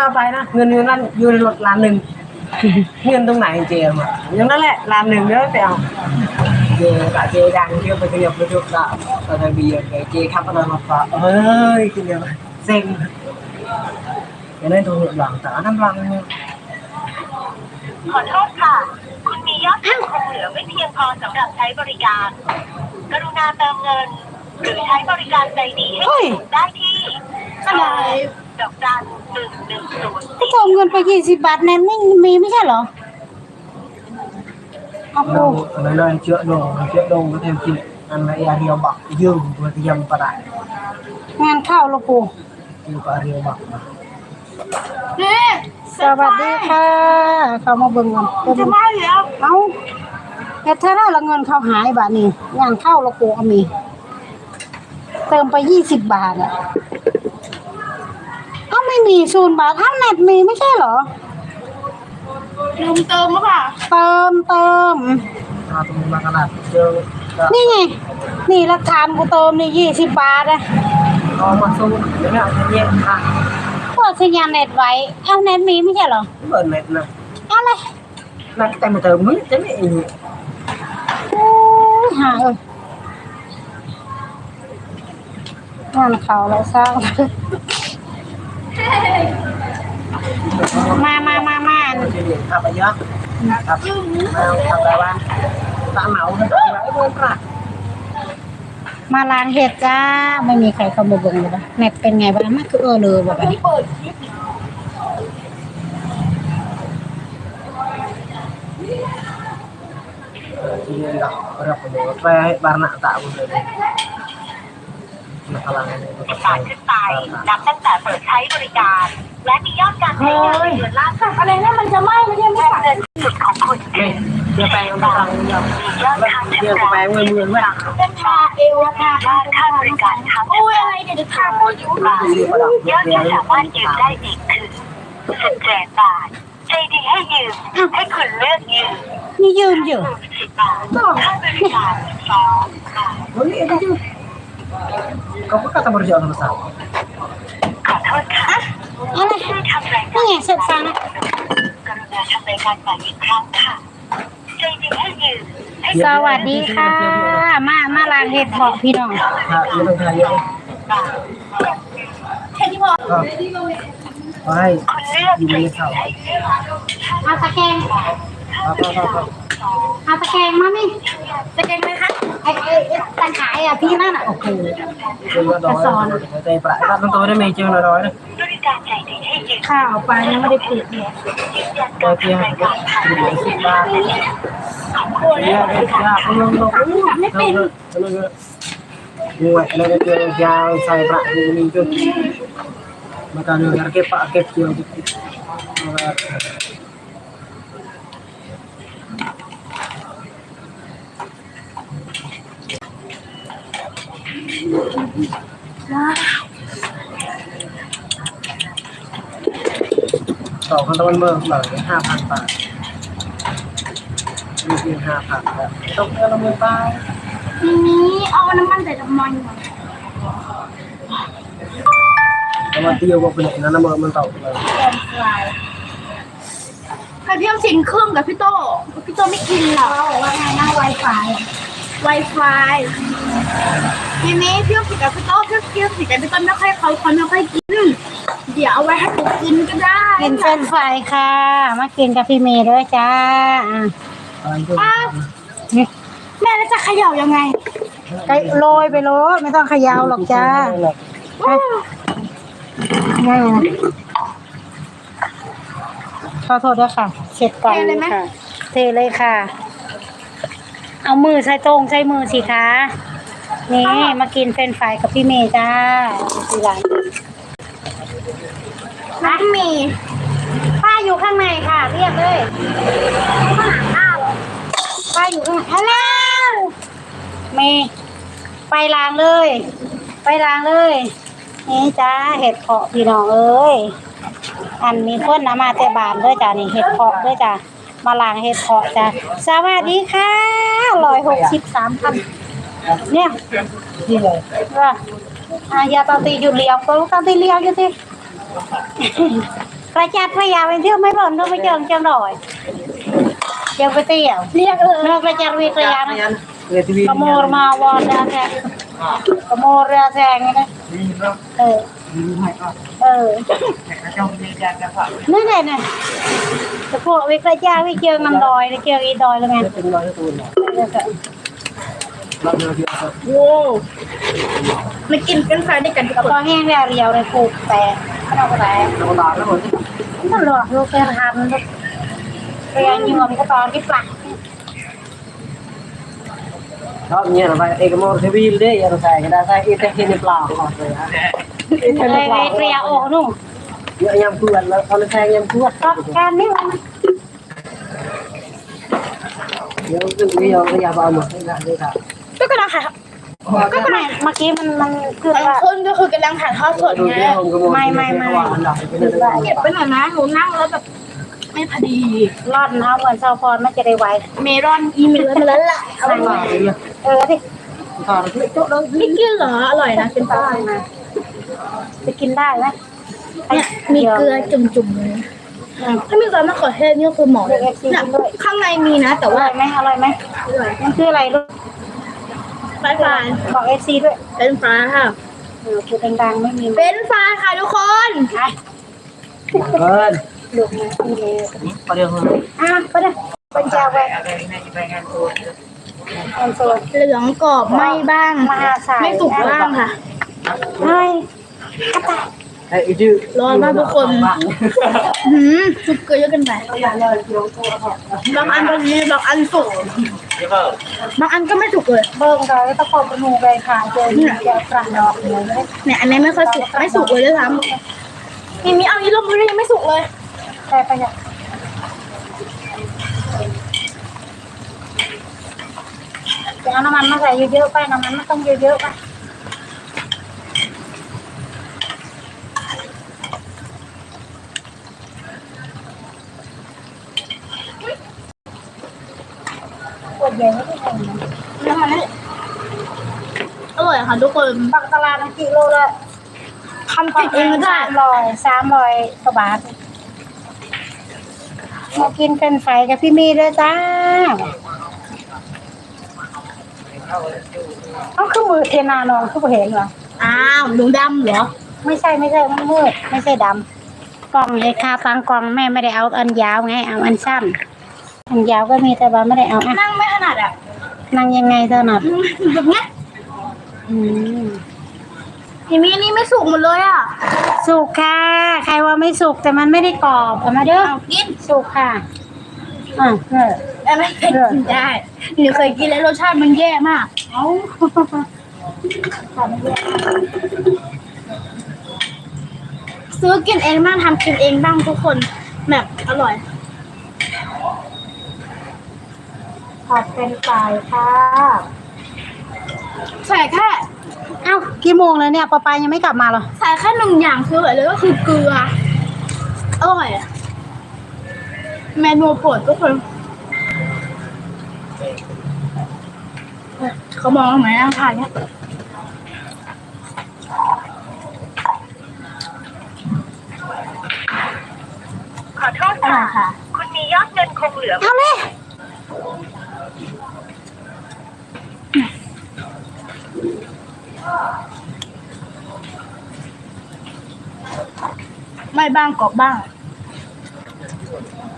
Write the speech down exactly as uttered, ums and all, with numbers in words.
เอาไปนะเงินอยู่นั่นอยู่ในรถล้านหนึ่งเงินตรงไหนเจมอ่ะอย่างนั้นแหละล้านหนึ่งเด้อไปเอาเจกะเจดังเที่ยวไปเที่ยวไปทุกกะตอนเบียร์เจขับอะไรมาฝากเฮ้ยกินเดียวเซ็งอย่างนั้นตัวหลังแต่น้ำรังขอโทษค่ะคุณมียอดเงินคงเหลือไม่เพียงพอสำหรับใช้บริการกรุณาเติมเงินหรือใช้บริการใจดีให้ได้ที่อะไรดอกจันหนึ่งหนึ่งศูนย์ก็เติมเงินไปยี่สิบบาทนั้นไม่มีไม่ใช่เหรอโอ้โหเลยเลยเชื่อดงเชื่อดงก็เทมกินอันไหนอาเดียวบักยืมตัวที่ยำประดงานเข้าลูกปูยืมอาเดียวบักสวัสดีค่ะเขามาเบิ่งเงินจะมาแล้วเอ้าแต่ถ้าได้ละเงินเขาหายบาทนี้งานเข้าลูกปูก็มีเติมไปยี่สิบบาทอ่ะเอ้าไม่มีศูนย์บาทเอ้าเน็ตมีไม่ใช่เหรอลืมเติมหรือเปล่าเติมเติมอาตรงนี้มาขนาดเจอนี่ไงนี่หลักฐานกูเติมนี่ยี่สิบบาทอ่ะเอามาสู้เดี๋ยวเนี่ยเย็นค่ะก็สัญญาณเน็ตไว้เอ้าเน็ตมีไม่ใช่เหรอเปิดเน็ตนะอะไรนักแต่มาเติมมึงจะไม่เองโอ้ยหาเอ้ยงานเขาแล้วสร้างมามามามาจะเรียนทำไปเยอะครับมาทำอะไรบ้างตาเหมาเนี่ยไอ้พวกปลามาล้างเห็ดจ้าไม่มีใครเข้ามาเบิ่งเลยนะเน็ตเป็นไงบ้างมันคือเออเลยแบบนี้เปิดคลิปที่นี่เราเราไปดูไปบารณะตาบุญเลยมาพลังการขึ้นไปนับตั้งแต่เปิดใช้บริการและมียอดการใช้งานในเดือนล่าสุดอะไรนั่นมันจะไหม้ไม่ใช่ไหมเงินสุดของคุณเดี๋ยวไปเอาไปเอายอดค่าเดี๋ยวไปเงินเงินว่าเป็นชาเอวค่ะยอดค่าบริการทั้งโอ้ยอะไรเดี๋ยวจะทำโมยุบาทยอดที่สามารถยืมได้อีกคือสิบแสนบาทใจดีให้ยืมให้คุณเลือกยืมนี่ยืมอยู่สิบบาทค่าบริการสองบาทเฮ้ยเอ็งยืมเขาก็กำลังบริจาคโทรศัพท์ขอโทษค่ะอะไรช่วยทำรายการนี่ไงเสร็จซะนะกรุณาทำรายการใหม่อีกครั้งค่ะใจดีให้ยืมสวัสดีค่ะมามาล้างเห็ดบอกพี่น้องค่ะไม่ต้องทายเยอะแค่นี้พอไปยืมเงินเขาเอาตะแกรงเอาเอาเอาเอาตะแกรงมานี่ตะแกรงไหมคะไอ้ไอ้ตังขายอ่ะพี่นั่นอ่ะโอ้โหจะสอนใจปลายตั้งตัวได้ไม่เจอหน่อยนะข้าวไปยังไม่ได้ปิดเลยโอเคครับสิบบาทเนี่ยยากลงลงไม่เป็นมวยอะไรก็เจอยาวใส่ปลาดูนี่จุดมาการเงินเก็บปะเก็บเกี่ยวจุดต่อคันตะวันเมืองเหลือห้าพันบาทมีเพียงห้าพันแล้วต้องเงินละหมื่นบาททีนี้เอาน้ำมันใส่น้ำมันก่อนน้ำมันเตี้ยวกว่าเป็นน้ำมันมันเต่าเลยใครเที่ยวสิงเครื่องกับพี่โตพี่โตไม่กินหรอบอกว่าไงนะไวไฟไวไฟทีนี้เที่ยวสิกับพี่โตเที่ยวเที่ยวสิกับพี่โตไม่ค่อยเขาเขาไม่ค่อยกินเดี๋ยวเอาไว้ให้ผมกินก็ได้กินเส้นไฟค่ะมากินกับพี่เมย์ด้วยจ้าอ้าวแม่แล้วจะเขย่ายังไงโรยไปโรยไม่ต้องเขย่าหรอกจ้าง่ายนะขอโทษด้วยค่ะเช็ดก่อนเลยค่ะเทเลยค่ะเอามือใช้ตรงใช้มือสิคะนี่มากินเฟรนช์ฟรายกับพี่เมย์จ้าที่ร้านร้านมีป้าอยู่ข้างในค่ะเรียกเลยข้างหน้าป้าอยู่ข้างฮัลโหลเมย์ไปล้างเลยไปล้างเลยนี่จ้าเห็ดเพาะพี่น้องเอ้ยอันมีคนนะมาแต่บานด้วยจ้านี่เห็ดเพาะด้วยจ้ามาล้างเห็ดเพาะจ้าสวัสดีค่ะร้อยหกสิบสามพันเนี่ยนี่เลยว่าอายาตาตีอยู่เลี้ยวก็ลูกตาตีเลี้ยวอยู่ที่กระจัดพยาไปเที่ยวไม่บ่นก็ไปเจอจังหน่อยเจียวไปเที่ยวเรียกเออกระจัดวิทยานะกระโมรมาวอนนะแกกระโมรเรือแซงนะเออเออนั่นแหละน่ะแต่พวกวิกระจัดวิเจอน้ำดอยเจออีดอยแล้วไงโว้มากินกันไฟด้วยกันกระเพาะแห้งแล้วเรียวเลยปลูกแต่ขนมแต่นั่นหรอกลูกแกทำลูกเรียนยืมก็ตอนที่ปลัก đó như là vậy cái món cái pin đấy giờ xài cái đa xài ít cái này plau hoặc rồi á ít cái này เลย plau เรียโอ้นุ่ง nhớ nhầm cuộn là con xài nhầm cuộn ก็การนี้มัน nhớ cái bây giờ cái nhà vào mà cái là cái cả ก็กำลังถ่ายก็ไม่เมื่อกี้มันมันคือบางว่าคนก็คือกำลังถ่ายทอดสด đôi ไง cái hôm cái món May, cái may, cái may. hoa hành động cái này เก็บไปหน่อยนะหนูนั่งแล้วแบบไม่พอดีร่อนเอาเหมือนซาวพรมันจะได้ไวเมรอนอีเมลมาแล้วล่ะ cái hoa cái gì เออดิ thà nó cái chỗ đó ไม่กินเหรออร่อยนะเป็นป้าจะกินได้ไหมเนี่ยมีเกลือจุ่มๆเลยถ้ามีซอสมะเขือเทศนี่ก็คือหมอเลยเนี่ยข้างในมีนะ แต่อว่าร่อยไหมอร่อยไหมมันคืออะไรลูกไฟฟานบอกเอฟซีด้วยเป็นฟ้าค่ะเออคือดังๆไม่มีเป็นฟ้าค่ะทุกคนไป ơn ลูกนะนี่เลย có được không อ่ะไปเด้อเป็นเจ้าไปเป็นโซนเหลืองกรอบไหม่บ้างมหาศาลไม่สุกบ้างค่ะเฮ้ยกระต่าย Ê, chứ ร้อนมากทุกคนหืมสุกเกลือเยอะเกินไปบางอันพอดีบางอันสุกบางอันก็ไม่สุกเลยเบิ่งเลยตะโกนกระนูไปค่ะเจอที่เดียวกลางดอกเลยเนี่ยอันนี้ไม่ค่อยสุกไม่สุกเลยด้วยซ้ำมีมีเอาอีลงมือยังไม่สุกเลยแต่ไปเนี่ยจะเอาน้ำมันมาใส่เยอะๆไปน้ำมันไม่ต้องเยอะๆไปปวดใหญ่ไม่ได้เห็นนะแล้วมันอร่อยค่ะทุกคนปักตลาดกิโลละทำผิดเองก็ได้สามร้อยสามร้อยกว่าบาทมากินเป็นไฟกับพี่มีด้วยจ้าเอาคือมือเทนานองคือบ่เห็นเหรออ้าวหนูดำเหรอไม่ใช่ไม่ใช่มันมืดไม่ใช่ดำกล่องเลยค่ะฟังกล่องแม่ไม่ได้เอาอันยาวไงเอาอันสั้นอันยาวก็มีแต่ว่าไม่ได้เอาอ่ะนั่งไม่ถนัดอ่ะนั่งยังไงเท่านั้นแบบเนี้ยอืมเห็นมีอันนี้ไม่สุกหมดเลยอ่ะสุกค่ะใครว่าไม่สุกแต่มันไม่ได้กรอบเอามาเด้อเอากินสุกค่ะอ่ะเออแต่ไม่เคยกินได้หนูเคยกินแล้วรสชาติมันแย่มากเอาทำไม่ได้ซื้อกินเองบ้างทำกินเองบ้างทุกคนแบบอร่อยผัดเป็นไฟค่ะใส่แค่เอ้ากี่โมงแล้วเนี่ยปอปายยังไม่กลับมาเหรอใส่แค่หนึ่งอย่างคืออะไรเลยก็คือเกลืออร่อยอะเมนูโปรดทุกคนเขามองทำไมนั่งทานเนี่ยขอโทษอร่ค่ะอยค่ะคุณมียอดเงินคงเหลือเอาเลยไม่บ้างกรอบบ้าง